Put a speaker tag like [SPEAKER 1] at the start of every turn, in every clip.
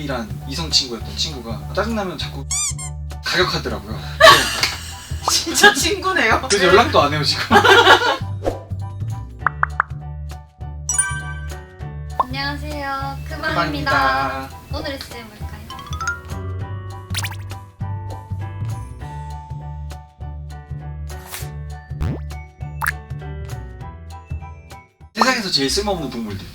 [SPEAKER 1] 유일한 이성 친구였던 친구가 짜증나면 자꾸 가격하더라고요.
[SPEAKER 2] 진짜 친구네요.
[SPEAKER 1] 그래서 연락도 안 해요 지금.
[SPEAKER 3] 안녕하세요. 크방입니다. 오늘의 주제 뭘까요?
[SPEAKER 1] 세상에서 제일 쓸모없는 동물들.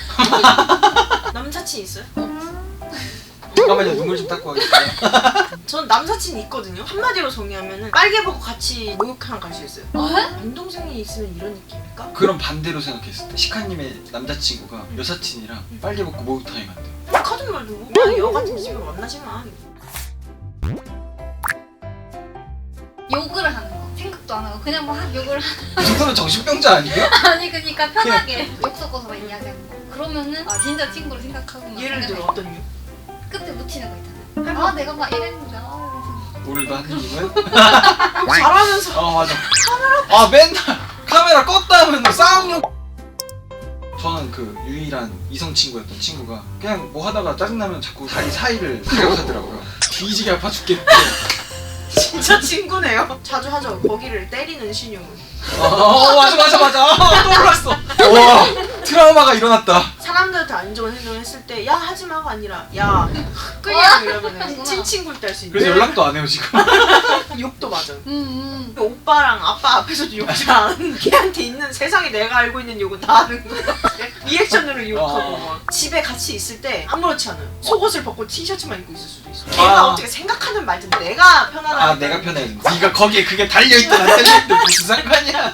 [SPEAKER 2] 남사친 있어요?
[SPEAKER 1] 잠깐만요, 눈물 좀 닦고 하겠습니다.
[SPEAKER 2] 전 남사친이 있거든요. 한마디로 정리하면은 빨개 보고 같이 목욕탕 갈 수 있어요. 남동생이 있으면 이런 느낌일까?
[SPEAKER 1] 그럼 반대로 생각했을 때 시카님의 남자친구가 여사친이랑 빨개 벗고 목욕탕에 간대요.
[SPEAKER 2] 하든 말도 그냥 여 같은 집에 만나지만.
[SPEAKER 3] 욕을 하는 거. 생각도 안 하고 그냥 막 욕을
[SPEAKER 1] 그 정도면 정신병자 아니에요?
[SPEAKER 3] 아니 그러니까 편하게 욕 섞어서 막 이야기하는 거. 그러면은 아 진짜 친구로 생각하고 막
[SPEAKER 2] 예를 들어
[SPEAKER 3] 생각해.
[SPEAKER 2] 어떤 이유?
[SPEAKER 3] 끝에 묻히는 거 있잖아요. 아 내가 막 이랬는데
[SPEAKER 1] 오늘도 한님은
[SPEAKER 2] 잘하면서
[SPEAKER 1] 맞아. 아 맨날 카메라 껐다 하면 싸움력. 저는 그 유일한 이성 친구였던 친구가 그냥 뭐 하다가 짜증나면 자꾸 자기 사이를 가격하더라고요. 뒤지게 아파 죽겠대.
[SPEAKER 2] 진짜 친구네요. 자주 하죠. 거기를 때리는 신용을.
[SPEAKER 1] 맞아. 떠올랐어. 와 트라우마가 일어났다.
[SPEAKER 2] 사람들한테 안 좋은 행동을 했을 때 야 하지마가 아니라 야 그냥 이러면은 친친구일 때 할 수 있는.
[SPEAKER 1] 그래서 연락도 안 해요 지금.
[SPEAKER 2] 욕도 맞아. 오빠랑 아빠 앞에서도 욕지 않은 걔한테 있는 세상에 내가 알고 있는 욕은 다 하는 거야. 리액션으로 욕하고 막. 집에 같이 있을 때 아무렇지 않아요. 속옷을 벗고 티셔츠만 입고 있을 수도 있어. 걔가 어떻게 생각하는 말든 내가 편안하니까.
[SPEAKER 1] 내가 편해. 네가 거기에 그게 달려있든 안 달려있든 무슨 상관이야.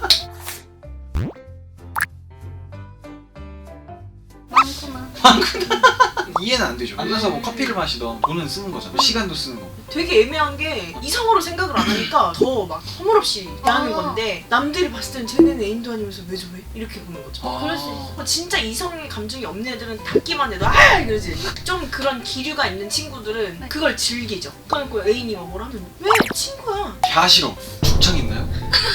[SPEAKER 3] 많구나.
[SPEAKER 1] 이해는 안 되죠. 앉아서 뭐 커피를 마시던 돈은 쓰는 거잖아. 시간도 쓰는 거고.
[SPEAKER 2] 되게 애매한 게 이성으로 생각을 안 하니까 더 막 허물없이 대하는 건데 남들이 봤을 땐 쟤네는 애인도 아니면서 왜 저래? 이렇게 보는 거죠.
[SPEAKER 3] 그럴 수 있어.
[SPEAKER 2] 진짜 이성의 감정이 없는 애들은 닿기만 해도 아 이러지. 좀 그런 기류가 있는 친구들은
[SPEAKER 3] 네.
[SPEAKER 2] 그걸 즐기죠. 그러니까 애인이 막 뭐라 하면 왜 친구야?
[SPEAKER 1] 다 싫어. 죽창 있나요?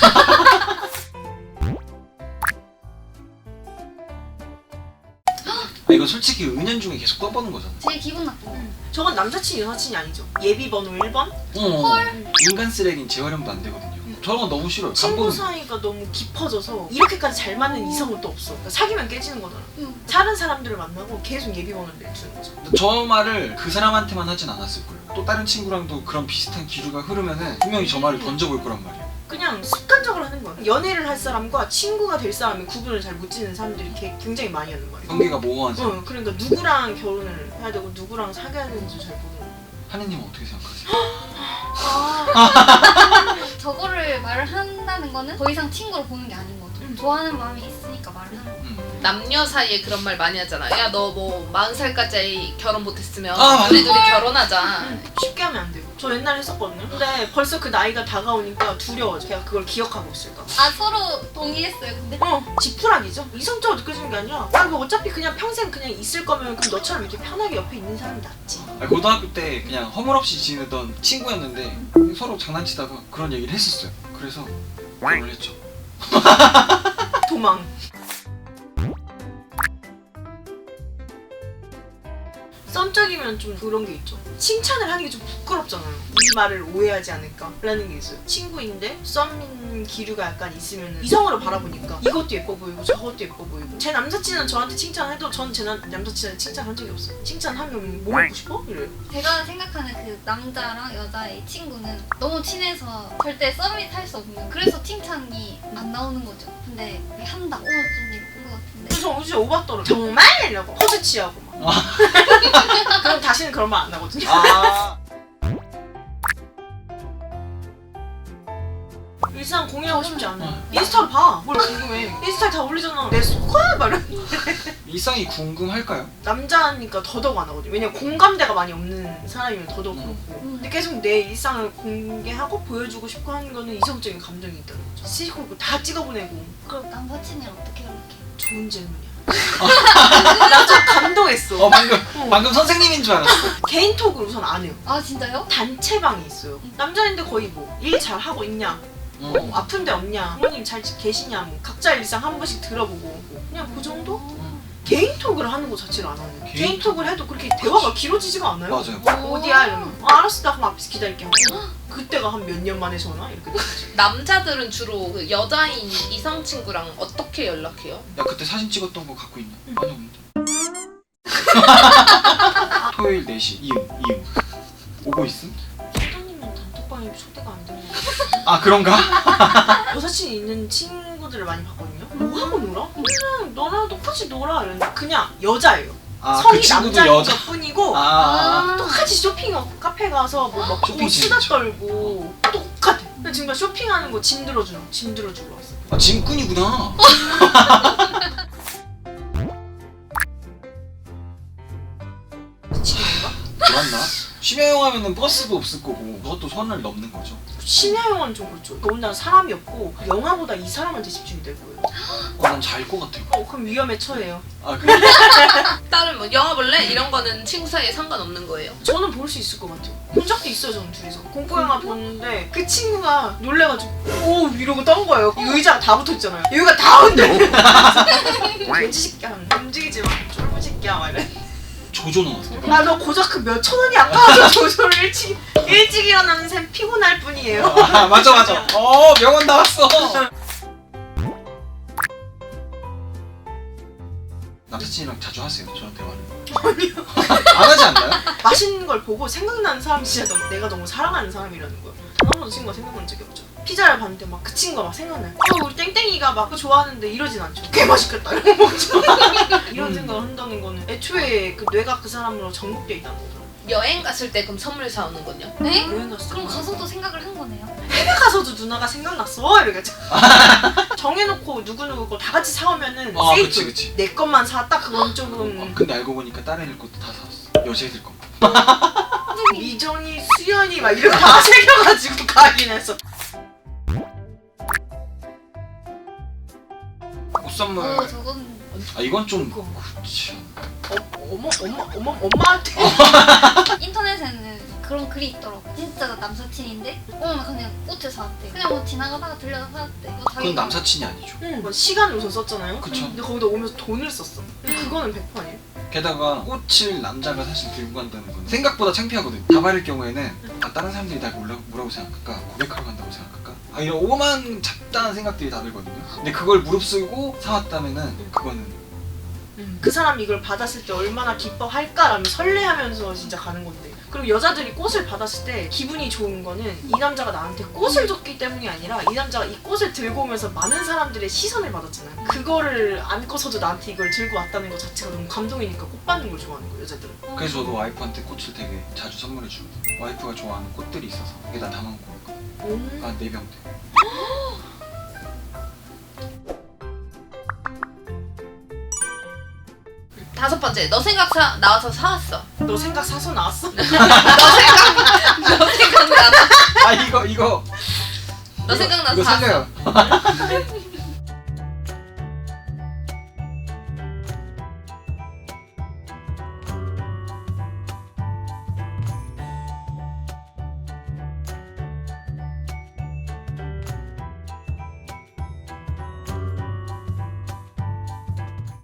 [SPEAKER 1] 이거 솔직히 은연중에 계속 떠보는 거잖아.
[SPEAKER 3] 제일 기분 나쁜 거.
[SPEAKER 2] 저건 남사친 여사친이 아니죠. 예비 번호 1번?
[SPEAKER 3] 헐.
[SPEAKER 1] 인간 쓰레기는 재활용도 안 되거든요. 저런 건 너무 싫어요.
[SPEAKER 2] 친구
[SPEAKER 1] 간보는
[SPEAKER 2] 사이가 너무 깊어져서 이렇게까지 잘 맞는 이성은 또 없어. 그러니까 사귀면 깨지는 거잖아. 다른 사람들을 만나고 계속 예비 번호를 내주는 거죠.
[SPEAKER 1] 저 말을 그 사람한테만 하진 않았을 거예요. 또 다른 친구랑도 그런 비슷한 기류가 흐르면은 분명히 저 말을 던져볼 거란 말이에요.
[SPEAKER 2] 그냥 습관적으로 하는 거야. 연애를 할 사람과 친구가 될 사람이 구분을 잘 못 짓는 사람들이 굉장히 많이 하는 거야.
[SPEAKER 1] 관계가 모호한 사람.
[SPEAKER 2] 그러니까 누구랑 결혼을 해야 되고 누구랑 사귀어야 되는지 잘 모르는 거야.
[SPEAKER 1] 하느님은 어떻게 생각하세요?
[SPEAKER 3] 저거를 말을 한다는 거는 더 이상 친구로 보는 게 아닌 거죠. 좋아하는 마음이 있으니까 말을 하는 거죠.
[SPEAKER 4] 남녀 사이에 그런 말 많이 하잖아. 야 너 뭐 40살까지 결혼 못했으면
[SPEAKER 1] 맞아.
[SPEAKER 4] 우리 둘이 결혼하자.
[SPEAKER 2] 쉽게 하면 안 돼요. 저 옛날에 했었거든요. 근데 벌써 그 나이가 다가오니까 두려워져. 걔가 그걸 기억하고 있을까 봐.
[SPEAKER 3] 아 서로 동의했어요. 근데
[SPEAKER 2] 지푸라기죠. 이성적으로 느껴지는 게 아니라 뭐 어차피 그냥 평생 그냥 있을 거면 그럼 너처럼 이렇게 편하게 옆에 있는 사람이 낫지.
[SPEAKER 1] 고등학교 때 그냥 허물없이 지내던 친구였는데 서로 장난치다가 그런 얘기를 했었어요. 그래서 결혼을 했죠.
[SPEAKER 2] 도망. 썸짝이면 좀 그런 게 있죠. 칭찬을 하는 게 좀 부끄럽잖아요. 이 말을 오해하지 않을까 라는 게 있어요. 친구인데 썸 기류가 약간 있으면 이성으로 바라보니까 이것도 예뻐 보이고 저것도 예뻐 보이고. 제 남사친은 저한테 칭찬해도 전 제 남사친한테 칭찬한 적이 없어요. 칭찬하면 뭐 먹고 싶어? 이래요.
[SPEAKER 3] 제가 생각하는 그 남자랑 여자의 친구는 너무 친해서 절대 썸이 탈 수 없는, 그래서 칭찬이 안 나오는 거죠. 근데 왜 한다? 좀 예쁜 것 같은데.
[SPEAKER 2] 그래서 어제 오바 떨어 정말? 이러고 허즈 취하고 막. 그럼 다시는 그런 말 안 나거든요. 일상 공유하고 싶지 않아요. 인스타로 봐. 뭘 궁금해. 인스타에 다 올리잖아. 내 속아? 막 이러는데.
[SPEAKER 1] 일상이 궁금할까요?
[SPEAKER 2] 남자니까 더더욱 안 하거든요. 왜냐면 공감대가 많이 없는 사람이면 더더욱 그렇고. 근데 계속 내 일상을 공개하고 보여주고 싶고 하는 거는 이성적인 감정이 있다는 거죠. 시시콜콜 다 찍어보내고.
[SPEAKER 3] 그럼 남사친이랑 어떻게 연락해?
[SPEAKER 2] 좋은 질문이야. 나 좀 감동했어.
[SPEAKER 1] 방금 선생님인 줄 알았어.
[SPEAKER 2] 개인톡을 우선 안 해요.
[SPEAKER 3] 아 진짜요?
[SPEAKER 2] 단체방이 있어요. 남자인데 거의 뭐 일 잘 하고 있냐, 아픈 데 없냐, 부모님 잘 계시냐, 뭐 각자 일상 한 번씩 들어보고 그냥 그 정도? 개인톡을 하는 것 자체를 안 하는 거예요.
[SPEAKER 1] 개인톡?
[SPEAKER 2] 개인톡을 해도 그렇게 대화가 길어지지가 않아요.
[SPEAKER 1] 맞아요.
[SPEAKER 2] 어디야? 이러면 알았어, 나 그럼 앞에서 기다릴게 하고 그때가 한 몇 년 만에 전화? 이렇게 되지.
[SPEAKER 4] 남자들은 주로 그 여자인 이성 친구랑 어떻게 연락해요?
[SPEAKER 1] 야 그때 사진 찍었던 거 갖고 있냐? 아니 없는데. 토요일 4시 이응 오고 있음?
[SPEAKER 2] 소장님은 단톡방에 초대가 안 되는 거예요.
[SPEAKER 1] 아 그런가?
[SPEAKER 2] 여사친 있는 친구들을 많이 봤거든요. 뭐 하고 놀아? 그냥 너랑 똑같이 놀아 이러는데 그냥 여자예요.
[SPEAKER 1] 아
[SPEAKER 2] 성이
[SPEAKER 1] 그 친구도
[SPEAKER 2] 남자인
[SPEAKER 1] 여자.
[SPEAKER 2] 것뿐이고
[SPEAKER 1] 아,
[SPEAKER 2] 똑같이 쇼핑하고 카페 가서 뭐 먹고
[SPEAKER 1] 쇼핑
[SPEAKER 2] 수다
[SPEAKER 1] 재밌죠.
[SPEAKER 2] 떨고 똑같아. 근데 지금 쇼핑하는 거 짐 들어주러 왔어.
[SPEAKER 1] 아 짐꾼이구나.
[SPEAKER 2] 미친놈인가?
[SPEAKER 1] 맞나? 심야영 하면은 버스도 없을 거고 그것도 선을 넘는 거죠.
[SPEAKER 2] 심야영화는 좀 그렇죠. 더군다나 사람이 없고 영화보다 이 사람한테 집중이 될 거예요.
[SPEAKER 1] 난 잘 것 같아요.
[SPEAKER 2] 그럼 위험에 처해요.
[SPEAKER 1] 아 그래?
[SPEAKER 4] 다른 뭐 영화 볼래? 이런 거는 친구 사이에 상관없는 거예요.
[SPEAKER 2] 저는 볼 수 있을 것 같아요. 본 적도 있어요, 저는 둘이서. 공포영화 보는데 그 친구가 놀래가지고 오 이러고 떤 거예요. 이 의자가 다 붙어있잖아요. 여기가 다 흔들려. 돼지 새끼야, 움직이지 마. 쫄부 새끼야, 막 이래.
[SPEAKER 1] 조조 나왔어요.
[SPEAKER 2] 아, 너 고작 그 몇 천 원이 아까워서 조조를 일찍 일어나는 셈 피곤할 뿐이에요.
[SPEAKER 1] 아 맞아. 명언 나왔어. 남사친이랑 자주 하세요? 저랑 대화를?
[SPEAKER 2] 아니요.
[SPEAKER 1] 안 하지 않나요?
[SPEAKER 2] 맛있는 걸 보고 생각나는 사람이 진짜 내가 너무 사랑하는 사람이라는 거예요. 단 한 번도 친구가 생각난 적이 없죠. 피자를 봤는데 막 그 친구가 막 생각나요. 우리 땡땡이가 막 그거 좋아하는데 이러진 않죠. 개 맛있겠다 이러고 먹죠. 이런 생각을 한다는 거는 애초에 그 뇌가 그 사람으로 정복돼 있다는 거죠.
[SPEAKER 4] 여행 갔을 때 그럼 선물 사오는 건요?
[SPEAKER 3] 네?
[SPEAKER 2] 여행 갔을 때
[SPEAKER 3] 그럼 가서도 생각을 한 거네요.
[SPEAKER 2] 해외 가서도 누나가 생각났어 이러겠죠. 정해놓고 누구누구 거 다 같이 사오면은
[SPEAKER 1] 아
[SPEAKER 2] 세이프.
[SPEAKER 1] 그치.
[SPEAKER 2] 내 것만 사왔다 그건 조금
[SPEAKER 1] 근데 알고 보니까 다른 애들 것도 다 사왔어. 여자애들 것만.
[SPEAKER 2] 미정이, 수연이 막 이렇게 다 새겨가지고 가긴 했어.
[SPEAKER 1] 옷 선물.
[SPEAKER 3] 저건
[SPEAKER 1] 아 이건 좀
[SPEAKER 2] 그거.
[SPEAKER 1] 그렇지.
[SPEAKER 2] 엄마한테
[SPEAKER 3] 인터넷에는 그런 글이 있더라고. 진짜 남사친인데 그냥 꽃을 사왔대. 그냥 뭐 지나가다가 들려서 사왔대. 뭐
[SPEAKER 1] 그건
[SPEAKER 3] 자기가
[SPEAKER 1] 남사친이 아니죠.
[SPEAKER 2] 뭐 시간을 우선 썼잖아요.
[SPEAKER 1] 그쵸.
[SPEAKER 2] 근데 거기다 오면서 돈을 썼어. 근데 그거는 100% 아니에요?
[SPEAKER 1] 게다가 꽃을 남자가 사실 들고 간다는 건 생각보다 창피하거든. 다발일 경우에는 아 다른 사람들이 날 뭐라고 생각할까? 고백하러 간다고 생각할까? 아 이런 오만 잡다한 생각들이 다 들거든요. 근데 그걸 무릅쓰고 사왔다면은 그거는
[SPEAKER 2] 그 사람이 이걸 받았을 때 얼마나 기뻐할까라는 설레하면서 진짜 가는 건데. 그리고 여자들이 꽃을 받았을 때 기분이 좋은 거는 이 남자가 나한테 꽃을 줬기 때문이 아니라 이 남자가 이 꽃을 들고 오면서 많은 사람들의 시선을 받았잖아요. 그거를 안고서도 나한테 이걸 들고 왔다는 것 자체가 너무 감동이니까 꽃 받는 걸 좋아하는 거예요, 여자들은.
[SPEAKER 1] 그래서 저도 와이프한테 꽃을 되게 자주 선물해 주거든. 와이프가 좋아하는 꽃들이 있어서 여기다 담아놓고 있거든. 한 4병 돼.
[SPEAKER 4] 5번째, 너 생각 나와서 사왔어.
[SPEAKER 2] 너 생각 사서 나왔어?
[SPEAKER 4] 너 생각 나서
[SPEAKER 1] 아 이거
[SPEAKER 4] 너 생각 나서
[SPEAKER 1] 이거
[SPEAKER 4] 사왔어.
[SPEAKER 1] 살려요.